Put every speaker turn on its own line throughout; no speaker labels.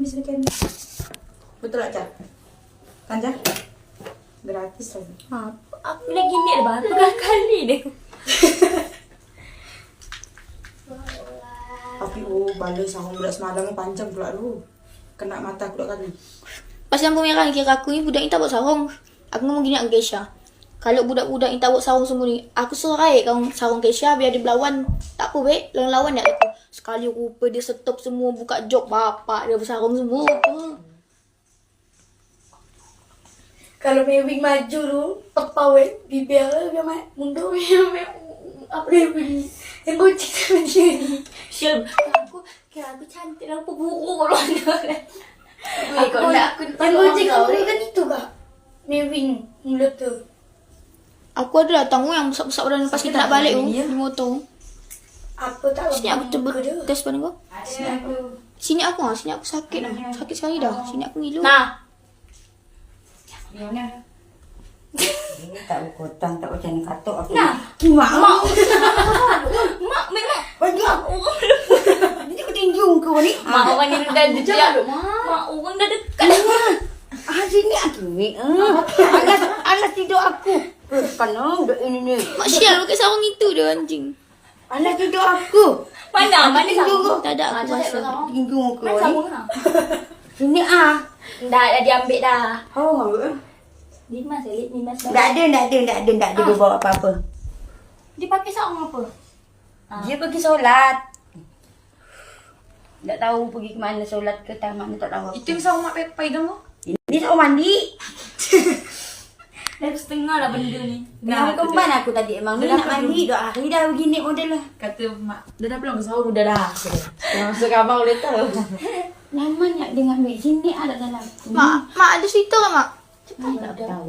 sedikit. Betul tak, Cak? Kan, Cak? Gratis lagi.
Aku lagi ni dah baru kali deh.
Tapi balik sarung budak semalam panjang pula lu. Kena mata aku dua kali.
Pas lampu merah kira aku ni budak ni tak buat sarung. Aku ngomong gini dengan Kesha. Kalau budak-budak ni tak buat sarung semua ni, aku suruh raih kau sarung Kesha biar dia berlawan. Tak apa baik, lawan tak aku. Sekali rupa dia stop semua, buka jok bapak dia bersarung semua.
Kalau Mewing maju tu, tepau bibir dia mundur apa dia bunyi. Yang kucing sama dia ni.
Syul, aku cantik lah, apa buruk kalau ada.
Aku nak yang kucing kau kan itu kak. Mewing mulut tu.
Aku ada datang yang besar-besar badan pas kita nak balik tu di motor.
Apa tak
Sini aku cuba test badan kau. Sini aku sakit dah. Sakit sekali dah. Sini aku ngilu.
Nah.
Ini tak berkotang, tak macam katok aku.
Nah.
Mak.
Mak memang.
Bagi aku. Ini aku tinjung kau ni.
Mak orang ni dah dekat. Mak orang dah dekat.
Sini aku ni. Alas tidur aku. Kan duk ini ni.
Mak Syal pakai sarung itu dia anjing.
Alas tidur aku.
Mana
tinjung kau.
Tak ada aku rasa.
Tinjung kau
Mana
ni.
sabun lah.
Sini
Dah diambil dah.
Oh.
Limas dah.
Tak ada dia bawa apa-apa.
Dia pakai sarung apa?
Dia pergi solat. Tak tahu pergi ke mana solat ke tamat ni tak tahu.
Itu yang sama mak pegang tu.
Ini tak mandi.
Dah setengah lah benda ni.
Nah, kemban aku tadi emang ni nak mandi 2 hari dah begini model lah.
Kata mak, dah belum sahur dah dah. Masuk kamar boleh tahu.
Lama nak dia ambil sini ada dalam.
Mak ada cerita kan mak?
Tak tahu.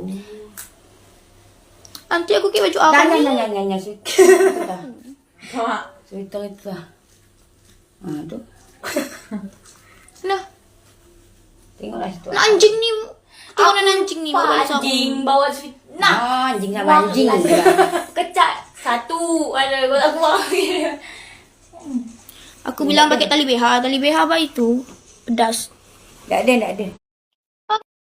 Nanti aku pakai baju apa ni?
Jangan.
Mak.
Cerita itu lah. Tu.
Nah,
Tengoklah situ.
nak anjing ni. Turunan anjing ni bawa baju sarung.
Anjing bawa sweet. Nah.
Anjing sama anjing.
Kecat. Satu. Ada aku bawa.
Aku bilang pakai tali BH. Tali BH apa itu? Pedas.
Tak ada.